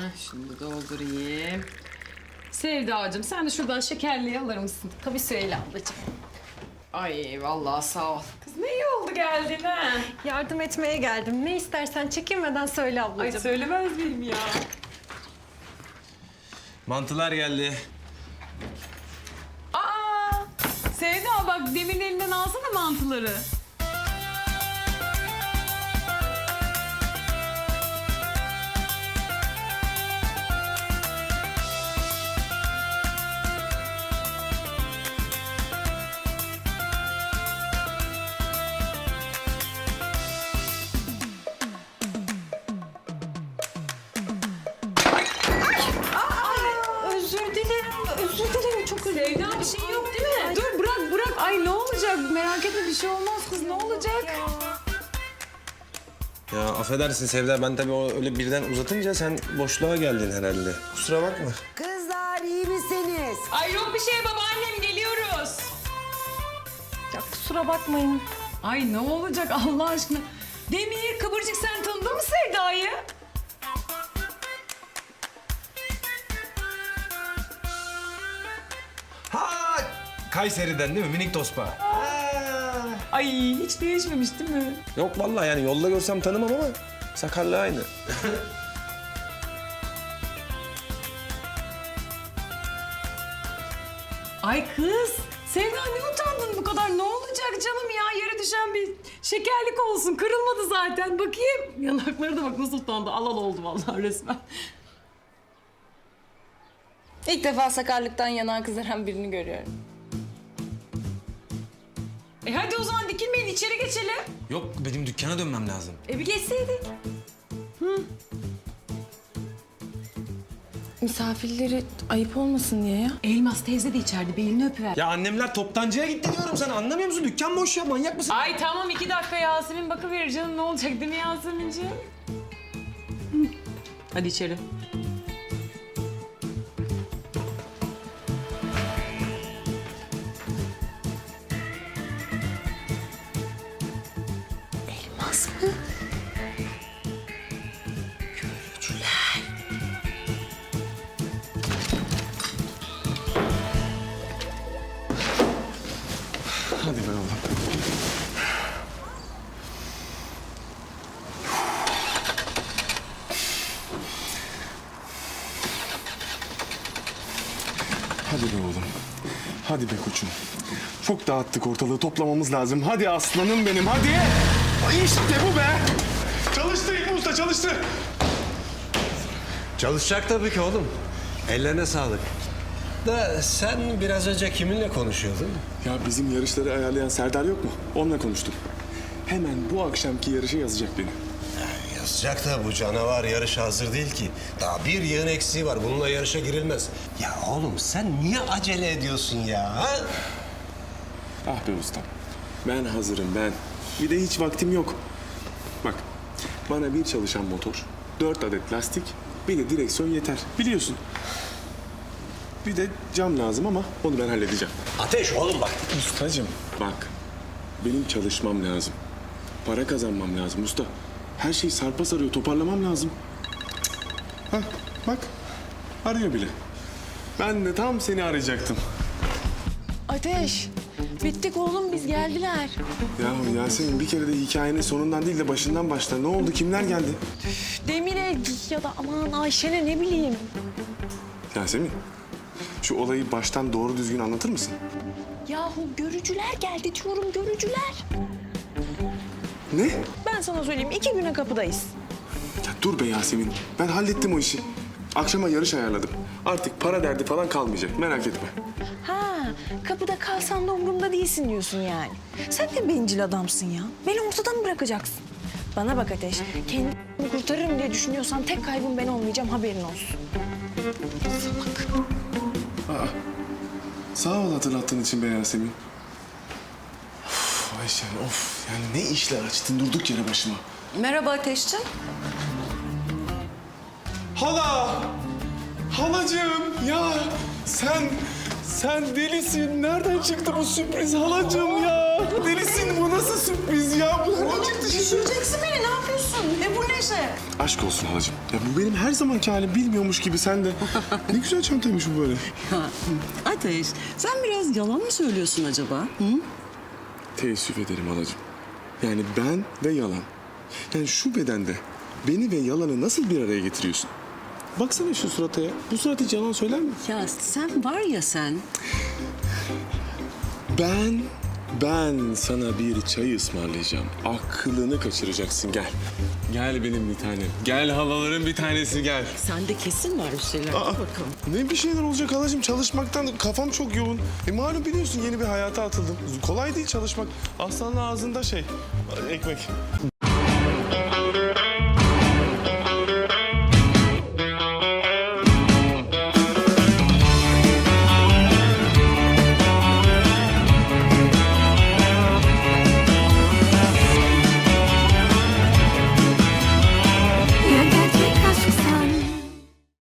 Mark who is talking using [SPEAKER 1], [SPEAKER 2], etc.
[SPEAKER 1] Şimdi doldurayım. Sevdacığım sen de şuradan şekerliği alır mısın? Tabii Süheyla ablacığım. Ay vallahi sağ ol. Kız ne iyi oldu geldin ha.
[SPEAKER 2] Yardım etmeye geldim. Ne istersen çekinmeden söyle ablacığım.
[SPEAKER 1] Ay söylemez miyim ya?
[SPEAKER 3] Mantılar geldi.
[SPEAKER 1] Aa! Sevda bak Demir'in elinden alsana mantıları.
[SPEAKER 2] Özür dilerim. Özür dilerim. Çok özür dilerim.
[SPEAKER 1] Sevda bir şey yok değil mi? Dur bırak. Ay ne olacak? Merak etme bir şey olmaz kız ne olacak?
[SPEAKER 3] Ya affedersin Sevda, ben tabii o öyle birden uzatınca sen boşluğa geldin herhalde. Kusura bakma.
[SPEAKER 4] Kızlar iyi misiniz?
[SPEAKER 1] Ay yok bir şey babaannem geliyoruz.
[SPEAKER 2] Ya kusura bakmayın.
[SPEAKER 1] Ay ne olacak Allah aşkına? Demir, Kıvırcık sen tanıdın mı Sevda'yı?
[SPEAKER 3] Ha, Kayseri'den değil mi? Minik tospa.
[SPEAKER 1] Ay hiç değişmemiş değil mi?
[SPEAKER 3] Yok vallahi yani yolda görsem tanımam ama sakarlığı aynı.
[SPEAKER 1] Ay kız, Sevda ne utandın bu kadar? Ne olacak canım ya? Yere düşen bir şekerlik olsun. Kırılmadı zaten. Bakayım. Yanakları da bak nasıl utandı. Alal oldu vallahi resmen.
[SPEAKER 5] İlk defa sakarlıktan yanağı kızaran birini görüyorum.
[SPEAKER 1] Hadi o zaman dikilmeyin içeri geçelim.
[SPEAKER 3] Yok, benim dükkana dönmem lazım.
[SPEAKER 1] Bir geçseydik.
[SPEAKER 5] Misafirleri ayıp olmasın diye ya.
[SPEAKER 1] Elmas teyze de içeride belini öpüver.
[SPEAKER 3] Ya annemler toptancıya gitti diyorum sana, anlamıyor musun? Dükkan boş ya, manyak mısın?
[SPEAKER 1] Ay tamam 2 dakika Yasemin bakıverir canım ne olacak değil mi Yasemin'ciğim? Hadi içeri.
[SPEAKER 4] Elmas mı? Görücüler.
[SPEAKER 3] Hadi be oğlum.
[SPEAKER 6] Hadi be oğlum. Hadi be koçum. Çok dağıttık ortalığı, toplamamız lazım. Hadi aslanım benim, hadi. İşte bu be. Çalıştı İlmi Usta, çalıştı.
[SPEAKER 7] Çalışacak tabii ki oğlum. Ellerine sağlık. Da sen biraz önce kiminle konuşuyordun?
[SPEAKER 6] Ya bizim yarışları ayarlayan Serdar yok mu? Onunla konuştum. Hemen bu akşamki yarışa yazacak beni.
[SPEAKER 7] Yazacak da bu canavar yarışa hazır değil ki. Daha bir yığın eksiği var. Bununla yarışa girilmez. Ya oğlum sen niye acele ediyorsun ya? Ha?
[SPEAKER 6] Ah be ustam. Ben hazırım ben. Bir de hiç vaktim yok. Bak, bana bir çalışan motor, 4 adet lastik, bir de direksiyon yeter. Biliyorsun. Bir de cam lazım ama onu ben halledeceğim.
[SPEAKER 7] Ateş oğlum bak.
[SPEAKER 6] Ustacığım bak, benim çalışmam lazım. Para kazanmam lazım usta. Her şey sarpa sarıyor, toparlamam lazım. Hah, bak, arıyor bile. Ben de tam seni arayacaktım.
[SPEAKER 5] Ateş, bittik oğlum biz geldiler.
[SPEAKER 6] Yahu Yasemin, bir kere de hikayenin sonundan değil de başından başla. Ne oldu, kimler geldi?
[SPEAKER 5] Demir'e ya da aman Ayşen'e ne bileyim.
[SPEAKER 6] Yasemin, şu olayı baştan doğru düzgün anlatır mısın?
[SPEAKER 5] Yahu görücüler geldi diyorum görücüler.
[SPEAKER 6] Ne?
[SPEAKER 5] Ben sana söyleyeyim 2 güne kapıdayız.
[SPEAKER 6] Ya dur be Yasemin, ben hallettim o işi. Akşama yarış ayarladım. Artık para derdi falan kalmayacak, merak etme.
[SPEAKER 5] Ha, kapıda kalsan da umurumda değilsin diyorsun yani. Sen de bencil adamsın ya. Beni ortadan mı bırakacaksın? Bana bak Ateş, kendimi kurtarırım diye düşünüyorsan tek kaybım ben olmayacağım haberin olsun.
[SPEAKER 6] Sağ ol hatırlattığın için be Yasemin. Of Ayşen, of. Yani ne işler açtın durduk yere başıma.
[SPEAKER 5] Merhaba Ateşciğim.
[SPEAKER 6] Hala! Halacığım ya sen delisin. Nereden çıktı bu sürpriz halacığım ya? Delisin, bu nasıl sürpriz ya? Bu nereden çıktı şimdi?
[SPEAKER 1] Düşüreceksin beni, ne yapıyorsun? Bu neşe?
[SPEAKER 6] Aşk olsun halacığım. Ya bu benim her zamanki halim, bilmiyormuş gibi sen de. Ne güzel çantaymış bu böyle.
[SPEAKER 8] Ya, Ateş, sen biraz yalan mı söylüyorsun acaba? Hı?
[SPEAKER 6] Teessüf ederim halacığım. Yani ben ve yalan. Yani şu bedende beni ve yalanı nasıl bir araya getiriyorsun? Baksana şu surata ya. Bu surat hiç yalan söyler mi?
[SPEAKER 8] Ya sen var ya sen.
[SPEAKER 6] Ben sana bir çay ısmarlayacağım. Aklını kaçıracaksın, gel. Gel benim bir tanem. Gel halaların bir tanesi, gel.
[SPEAKER 8] Sende kesin var bir şeyler. Dur bakalım.
[SPEAKER 6] Ne bir şeyler olacak halacığım. Çalışmaktan kafam çok yoğun. Malum biliyorsun yeni bir hayata atıldım. Kolay değil çalışmak. Aslanın ağzında ekmek.